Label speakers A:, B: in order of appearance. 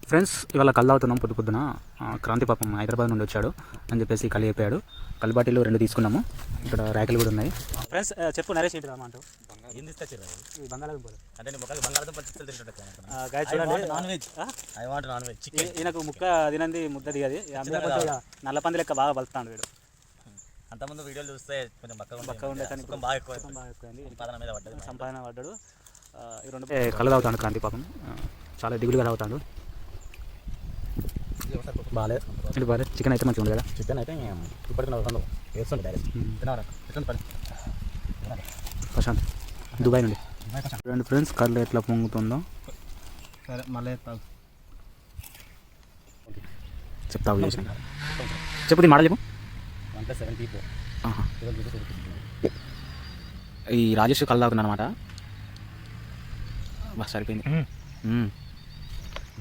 A: Friends ఇవాళ కళ్ళు తాగుతున్నాం పొద్దున క్రాంతి పాపం హైదరాబాద్ నుండి వచ్చాడు అని చెప్పేసి కళ్ళు చెప్పాడు. కళ్ళు బాటిల్లో 2 తీసుకున్నాము. ఇక్కడ ర్యాకులు కూడా ఉన్నాయి. ఫ్రెండ్స్ చెప్పు నరేష్ ఏంటి రామంటూ
B: ఏంది తీసుకొచ్చారు
A: బంగాళాదుంపలు
B: అంటే బంగాళాదుంపలు తింటుంటే
A: non veg
B: I want non veg chicken.
A: ఈయనకు ముక్క తినంది ముద్ద దిగది నల్లపంది లెక్క బాగా బలుతాడు వీడు.
B: అంతకుముందు వీడియోలు చూస్తే కొంచెం
A: బక్క ఉండే కానీ
B: బాగా ఎక్కువ
A: సంపాదన పడ్డాడు. ఈ 2 కళ్ళు తాగుతాడు క్రాంతి పాపం, చాలా దిగులుగా తాగుతాడు. బాగాలేదు చికెన్ అయితే మంచిగా ఉంది కదా.
B: చికెన్ అయితే ఇప్పటికి వేస్తుంది డైరెక్ట్
A: ప్రశాంత్ దుబాయ్ నుండి. రెండు ఫ్రెండ్స్ కళ్ళు ఎట్లా పొంగుతుందో
B: సరే మళ్ళీ
A: చెప్తావు చెప్పు మాట చెప్పు.
B: 1+74
A: ఈ రాజేష్ కళ్ళు తాగుతున్నాను అనమాట. బాగా సరిపోయింది.